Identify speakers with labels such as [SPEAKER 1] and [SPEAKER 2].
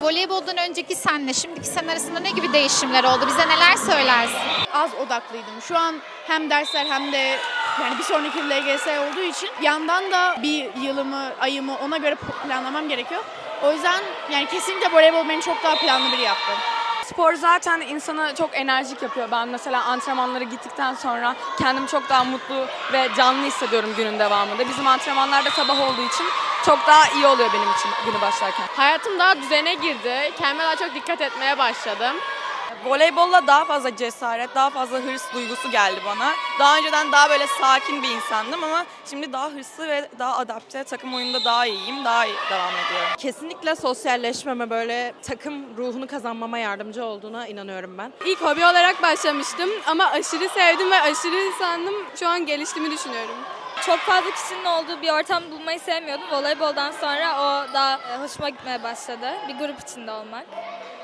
[SPEAKER 1] Voleyboldan önceki senle şimdiki sen arasında ne gibi değişimler oldu? Bize neler söylersin?
[SPEAKER 2] Az odaklıydım. Şu an hem dersler hem de yani bir sonraki yıl LGS olduğu için yandan da bir yılımı, ayımı ona göre planlamam gerekiyor. O yüzden yani kesinlikle voleybol beni çok daha planlı biri yaptı.
[SPEAKER 3] Spor zaten insanı çok enerjik yapıyor. Ben mesela antrenmanlara gittikten sonra kendimi çok daha mutlu ve canlı hissediyorum günün devamında. Bizim antrenmanlar da sabah olduğu için çok daha iyi oluyor benim için günü başlarken.
[SPEAKER 4] Hayatım daha düzene girdi. Kendime daha çok dikkat etmeye başladım.
[SPEAKER 5] Voleybolla daha fazla cesaret, daha fazla hırs duygusu geldi bana. Daha önceden daha böyle sakin bir insandım ama şimdi daha hırslı ve daha adapte, takım oyununda daha iyiyim, daha iyi devam ediyorum.
[SPEAKER 6] Kesinlikle sosyalleşmeme, böyle takım ruhunu kazanmama yardımcı olduğuna inanıyorum ben.
[SPEAKER 4] İlk hobi olarak başlamıştım ama aşırı sevdim ve aşırı sandım. Şu an geliştiğimi düşünüyorum.
[SPEAKER 7] Çok fazla kişinin olduğu bir ortam bulmayı sevmiyordum. Voleyboldan sonra o daha hoşuma gitmeye başladı. Bir grup içinde olmak.